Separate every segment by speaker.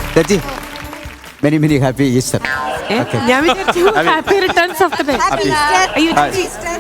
Speaker 1: ചേച്ചി many happy Easter.
Speaker 2: ഞാൻ വിചാരിച്ചു happy returns of the day.
Speaker 3: Happy Easter.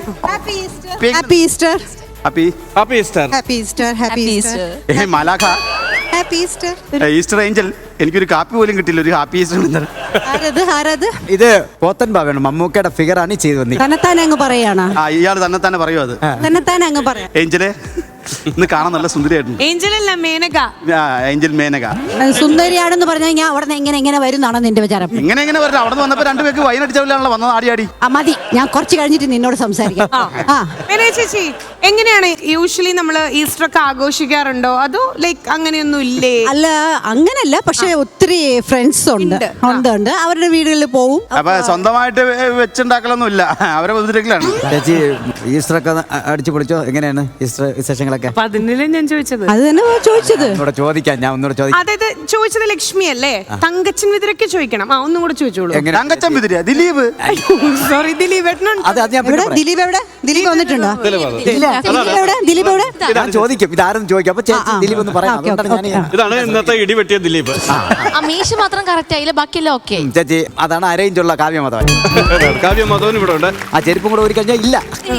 Speaker 4: Happy Easter.
Speaker 3: Happy Easter.
Speaker 1: മാലാഖ
Speaker 3: happy Easter.
Speaker 1: Easter angel എനിക്കൊരു കാപ്പി പോലും കിട്ടില്ല. ഒരു ഹാപ്പി ഈസ്റ്റർ.
Speaker 3: ആരത്
Speaker 1: ഇത് പോത്തൻ ബാബയാണ്, മമ്മൂക്കയുടെ ഫിഗറാണ് ചെയ്തു വന്നത്.
Speaker 3: തന്നെത്താൻ അങ്ങ് പറയാണ്.
Speaker 1: ഇയാൾ തന്നെ പറയൂ. അത്
Speaker 3: തന്നെത്താൻ അങ്ങ് പറയാം.
Speaker 1: ഏഞ്ചലെ ഇന്ന് കാണാൻ നല്ല സുന്ദരിയായിട്ടുണ്ട്.
Speaker 2: ഏഞ്ചൽ അല്ല, മേനക.
Speaker 1: ഏഞ്ചൽ മേനക
Speaker 3: സുന്ദരിയാണെന്ന് പറഞ്ഞാൽ ഞാൻ അവിടെ നിന്ന് എങ്ങനെ വരുന്നാണോ നിന്റെ വിചാരം?
Speaker 1: എങ്ങനെ വരണം? അവിടെ നിന്ന് വന്നപ്പോ രണ്ടുപേർക്ക് വൈനടിച്ചാണല്ലോ വന്നത്, ആടി.
Speaker 3: മതി, ഞാൻ കുറച്ച് കഴിഞ്ഞിട്ട് നിന്നോട് സംസാരിക്കാം.
Speaker 2: ചേച്ചി, എങ്ങനെയാണ് യൂഷ്വലി നമ്മള് ഈസ്റ്റർ ഒക്കെ ആഘോഷിക്കാറുണ്ടോ, അതോ ലൈക്ക് അങ്ങനെയൊന്നും ഇല്ലേ?
Speaker 3: അല്ല, അങ്ങനല്ല, പക്ഷെ ഒത്തിരി ഫ്രണ്ട്സ് ഉണ്ട്. അവരുടെ വീടുകളിൽ പോവും.
Speaker 1: അപ്പൊ സ്വന്തമായിട്ട് വെച്ചുണ്ടാക്കലൊന്നും ഇല്ല, അവരെ ബന്ധുക്കളാണ്. ചേച്ചി ഈസ്റ്റർ ഒക്കെ അടിച്ചു പൊളിച്ചോ? എങ്ങനെയാണ് ഈസ്റ്റർ വിശേഷങ്ങളൊക്കെ?
Speaker 2: അതിനല്ലേ ഞാൻ ചോദിച്ചത്.
Speaker 3: അത് തന്നെ ചോദിച്ചത്.
Speaker 2: അതായത് ചോദിച്ചത് ലക്ഷ്മി അല്ലേ? തങ്കച്ചൻ വിതിരൊക്കെ ചോദിക്കണം. ഒന്നും കൂടെ ചോദിച്ചോളൂ.
Speaker 1: തങ്കച്ചൻ വിതിര, ദിലീപ്.
Speaker 2: സോറി, ദിലീപ്
Speaker 3: ദിലീപ് എവിടെ? ദിലീപ് വന്നിട്ടുണ്ടോ? ദിലീപ് എവിടെ?
Speaker 1: ചോദിക്കും, ഇതാരും ചോദിക്കും. അപ്പൊ ദിലീപ് ഒന്ന് പറയാം.
Speaker 4: ഇതാണ് ഇന്നത്തെ ഇടിവെട്ടിയ ദിലീപ്.
Speaker 5: അമീഷ് മാത്രം കറക്റ്റ് ആയില്ല, ബാക്കിയെല്ലാം ഓക്കെ.
Speaker 1: ചേച്ചി, അതാണ് അരയിഞ്ചുള്ള കാവ്യമതവൻ.
Speaker 4: കാവ്യമതവൻ ഇവിടെ ഉണ്ട്.
Speaker 1: ആ ചെരുപ്പും കൂടെ ഒരു കഴിഞ്ഞാൽ ഇല്ല.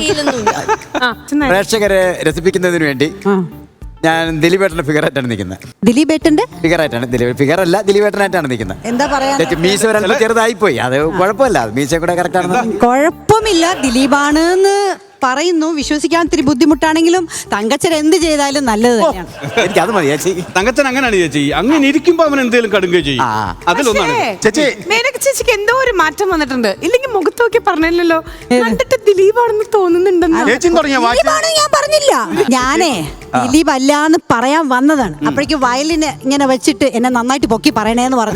Speaker 1: പ്രേക്ഷകരെ രസിപ്പിക്കുന്നതിന് വേണ്ടി ഞാൻ ദിലീപേട്ടന്റെ ഫിഗറായിട്ടാണ് നിൽക്കുന്നത്.
Speaker 3: ദിലീപേട്ടന്റെ
Speaker 1: ഫിഗറായിട്ടാണ്. ദിലീപേട്ടനായിട്ടാണ് നിൽക്കുന്നത്.
Speaker 3: എന്താ പറയാ?
Speaker 1: മീശ ഒരല്പം ചെറുതായി പോയി, അത് കുഴപ്പമില്ല. മീശ കൂടെ കറക്റ്റ് ആണ്.
Speaker 3: കുഴപ്പമില്ല, ദിലീപാണ് എന്ന് പറയുന്നു. വിശ്വസിക്കാൻ ഇത്തിരി ബുദ്ധിമുട്ടാണെങ്കിലും തങ്കച്ചൻ എന്ത് ചെയ്താലും നല്ലത് തന്നെയാണ്.
Speaker 1: എനിക്ക് അത് മതി ചേച്ചി.
Speaker 4: തങ്കച്ചൻ അങ്ങനെയാണ് ചേച്ചി. അങ്ങനെ ഇരിക്കുമ്പോ അവൻ എന്തെങ്കിലും കടുങ്ങുകയും ചെയ്യും. അതിലൊന്നാണ്
Speaker 1: ചേച്ചി.
Speaker 2: മേനക ചേച്ചിക്ക് എന്തോ ഒരു മാറ്റം വന്നിട്ടുണ്ട്. ഇല്ലെങ്കിൽ മുഖത്ത് നോക്കി പറഞ്ഞില്ലല്ലോ, കണ്ടിട്ട് ദിലീപാണെന്ന് തോന്നുന്നുണ്ടെന്ന്.
Speaker 3: ഞാൻ പറഞ്ഞില്ല. ഞാനേ ദിലീപ് അല്ലാന്ന് പറയാൻ വന്നതാണ്. അപ്പോഴേക്ക് വയലിന് ഇങ്ങനെ വെച്ചിട്ട് എന്നെ നന്നായിട്ട് പൊക്കി പറയണേന്ന് പറഞ്ഞു.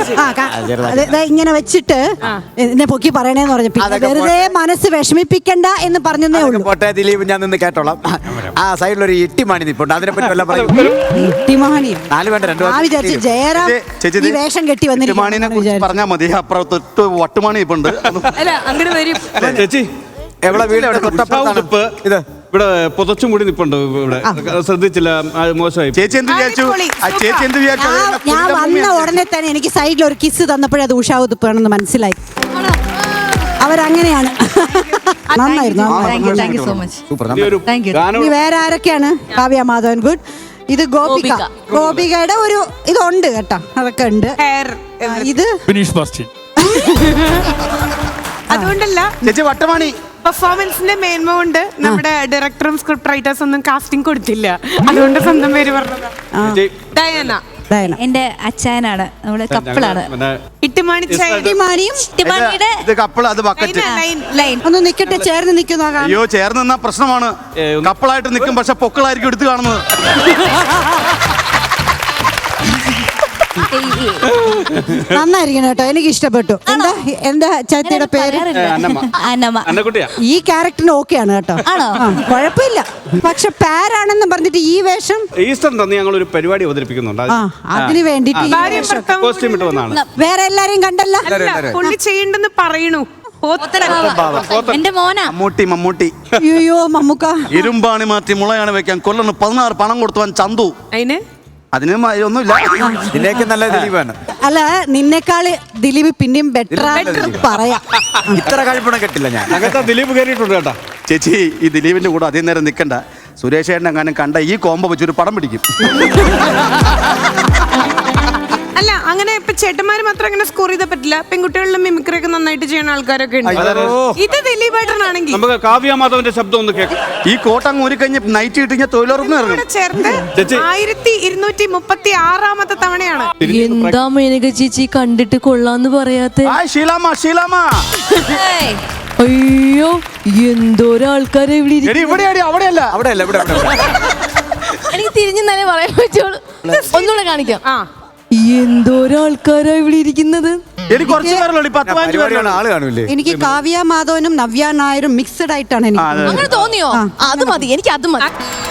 Speaker 3: ഇങ്ങനെ വെച്ചിട്ട് എന്നെ പൊക്കി പറയണേന്ന് പറഞ്ഞു. പിന്നെ വെറുതെ മനസ്സ് വിഷമിപ്പിക്കണ്ട എന്ന് പറഞ്ഞതേ ഉള്ളൂ.
Speaker 1: പോട്ടെ ദിലീപ്, ഞാൻ നിന്ന് കേട്ടോളാം. ആ സൈഡിലൊരു ഇട്ടിമാണി നിപ്പുണ്ട്, അതിനെ പറ്റി വല്ല പറയും.
Speaker 3: ഇട്ടിമാണി
Speaker 1: 4 വേണ്ട 2
Speaker 3: വിചാരിച്ചു ജയറാം ഈ വേഷം കെട്ടി വന്നിട്ട്
Speaker 1: പറഞ്ഞാ മതി. അപ്പുറത്ത് വട്ടുമാണി ഇപ്പുണ്ട്.
Speaker 2: അങ്ങനെ വരും
Speaker 4: ചേച്ചി.
Speaker 1: എവിടെ വീട്? ഇത്
Speaker 4: ഇവിടെ പുതച്ചും കൂടി നിപ്പുണ്ട്. ഇവിടെ ശ്രദ്ധിച്ചില്ല, മോശമായി.
Speaker 1: ചേച്ചി എന്ത് വിചാരിച്ചു?
Speaker 3: ഞാൻ വന്ന ഉടനെ തന്നെ എനിക്ക് സൈഡിൽ ഒരു കിസ് തന്നപ്പോഴേ അത് ഉഷാവുതുപ്പാണെന്ന് മനസ്സിലായി. അവരങ്ങനെയാണ്. നന്നായിരുന്നു. വേറെ ആരൊക്കെയാണ്? കാവ്യ മാധവൻ ഗുഡ്. ഇത് ഗോപികയുടെ ഒരു ഇതുണ്ട് കേട്ടോ, അതൊക്കെ ഉണ്ട്. ഇത്
Speaker 2: അതുകൊണ്ടല്ല ചേച്ചി, വട്ടമാണി പെർഫോമൻസിന്റെ മേന്മ കൊണ്ട് നമ്മുടെ ഡയറക്ടറും സ്ക്രിപ്റ്റ് റൈറ്റേഴ്സ് ഒന്നും കാസ്റ്റിംഗ് കൊടുത്തില്ല. അതുകൊണ്ട് സ്വന്തം പേര് പറഞ്ഞതാ. ഡയാന
Speaker 5: എന്റെ അച്ചായനാണ്, നമ്മള് കപ്പിളാണ്.
Speaker 3: ഒന്ന് നിക്കട്ടെ, ചേർന്ന് നിൽക്കുന്ന.
Speaker 1: അയ്യോ, ചേർന്ന് നിന്നാ പ്രശ്നമാണ്. കപ്പിളായിട്ട് നിൽക്കും, പക്ഷെ പൊക്കളായിരിക്കും എടുത്ത് കാണുന്നത്.
Speaker 3: നന്നായിരിക്കണം കേട്ടോ, എനിക്ക് ഇഷ്ടപ്പെട്ടു. എന്താ ചേച്ചിയുടെ പേര്? ഈ ക്യാരക്ടറിന് ഓക്കെയാണ് കേട്ടോ, കുഴപ്പമില്ല. പക്ഷെ പാരാണെന്ന് പറഞ്ഞിട്ട് ഈ വേഷം
Speaker 4: ഈസ്റ്റർ ഞങ്ങൾ ഒരു പരിപാടി അവതരിപ്പിക്കുന്നുണ്ട്,
Speaker 3: അതിന് വേണ്ടിട്ട് വേറെ എല്ലാരെയും കണ്ടല്ല
Speaker 2: പുള്ളി ചെയ്യണ്ടെന്ന് പറയണു.
Speaker 5: എന്റെ മോനാ
Speaker 1: മമ്മൂട്ടി.
Speaker 3: അയ്യോ മമ്മൂക്ക,
Speaker 1: ഇരുമ്പാണി മാറ്റി മുളയാണ് വെക്കാൻ കൊല്ലണം 16 പണം കൊടുത്തുവാൻ ചന്തു. അതിന് ഒന്നുമില്ല. ഇതിലേക്ക് നല്ല ദിലീപാണ്.
Speaker 3: അല്ല, നിന്നെക്കാള് ദിലീപ് പിന്നെയും ബെറ്റർ പറയാം.
Speaker 1: ഇത്ര കഴിപ്പണം കിട്ടില്ല ഞാൻ.
Speaker 4: അങ്ങനത്തെ ദിലീപ് കയറിയിട്ടുണ്ട് കേട്ടാ.
Speaker 1: ചേച്ചി, ഈ ദിലീപിന്റെ കൂടെ അധികം നേരം നിൽക്കണ്ട. സുരേഷ് ഏട്ടൻ എങ്ങാനും കണ്ട ഈ കോംബോ വെച്ചൊരു പടം പിടിക്കും.
Speaker 2: അല്ല, അങ്ങനെ ഇപ്പൊ ചേട്ടന്മാര് മാത്രം അങ്ങനെ സ്കോർ ചെയ്താൽ പറ്റില്ല. പെൺകുട്ടികളിലും മിമിക്രി ഒക്കെ നന്നായിട്ട് ചെയ്യുന്ന ആൾക്കാരൊക്കെ ഉണ്ട്. ഇത് ദിലീപേട്ടനാണെങ്കിൽ
Speaker 4: നമുക്ക് കാവ്യ മാധവന്റെ ശബ്ദം ഒന്ന് കേൾക്കാം.
Speaker 1: ഈ കോട്ടങ്ങ് ഒരു കഴിഞ്ഞ് നൈറ്റ് കിട്ടിയ തൊഴിലുറപ്പ്
Speaker 2: ചേർത്ത് 1236 തവണയാണ്.
Speaker 5: എന്താ മേനക ചേച്ചി കണ്ടിട്ട് കൊള്ളാന്ന് പറയാത്ത? അയ്യോ, എന്തോരാൾക്കാരെ എനിക്ക് തിരിഞ്ഞു തന്നെ പറയാൻ പറ്റുള്ളൂ. ഒന്നുകൂടെ കാണിക്കാം. എന്തോരാൾക്കാരാ ഇവിടെ ഇരിക്കുന്നത്.
Speaker 3: എനിക്ക് കാവ്യ മാധവനും നവ്യ നായരും മിക്സഡ് ആയിട്ടാണ് എനിക്ക്
Speaker 5: അങ്ങനെ തോന്നിയോ? അത് മതി, എനിക്ക് അത് മതി.